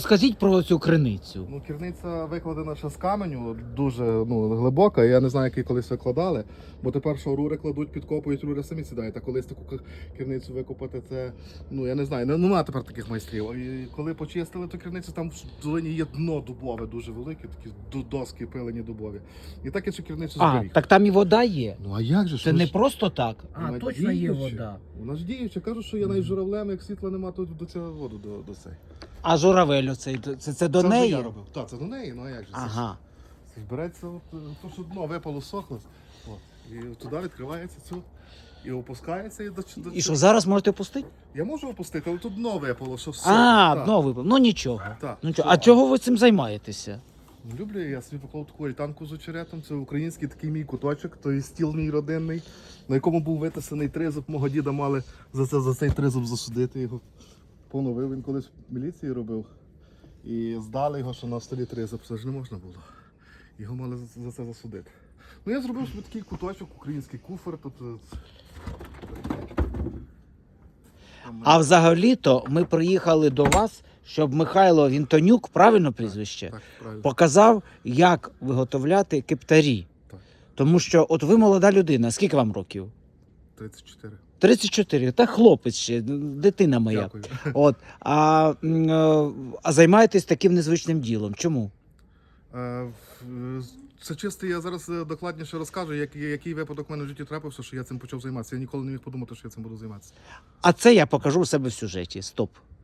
Скажіть про цю криницю. Ну, керниця викладена ще з каменю, дуже глибока. Я не знаю, як її колись викладали, бо тепер що рури кладуть, підкопують, рури самі сідають. А колись таку керницю викопати, це, я не знаю, немає тепер таких майстрів. І коли почистили ту керницю, там в долині є дно дубове дуже велике, такі доски пилені дубові. І так я цю керницю зберіг. Так там і вода є. Ну а як же? Це не просто так. Вона Точно є діюча. вода. Вона ж діюча. Кажу, що я навіть журавлем, як світла нема, то до цього воду до цей. А журавель оцей, це до Це неї? я робив. Так, це до неї, а як же? Ага. Це збирається, то що дно випало, сохло. І туди відкривається цю, і опускається. І що, зараз можете пустити? Я можу опустити, але тут дно випало, що все. Дно випав. Ну нічого. Так. А чого ви цим займаєтеся? Люблю я собі поклав таку альтанку з очеретом. Це український такий мій куточок, той стіл мій родинний, на якому був витисаний тризуб. Мого діда мали за цей тризуб засудити його. Поновив, він колись в міліції робив. І здали його, що на столі тризуб, це ж не можна було. Його мали за це засудити. Ну я зробив собі такий куточок, український куфер. Тобто... А взагалі-то ми приїхали до вас, щоб Михайло Вінтонюк, правильно прізвище, Так, правильно. показав, як виготовляти кептарі. Так. Тому що от ви молода людина, скільки вам років? 34. 34, та хлопець ще, дитина моя. Дякую. От, а займаєтесь таким незвичним ділом. Чому? Це чисто, я зараз докладніше розкажу, який випадок в мене в житті трапився, що я цим почав займатися. Я ніколи не міг подумати, що я цим буду займатися. А це я покажу у себе в сюжеті. Стоп.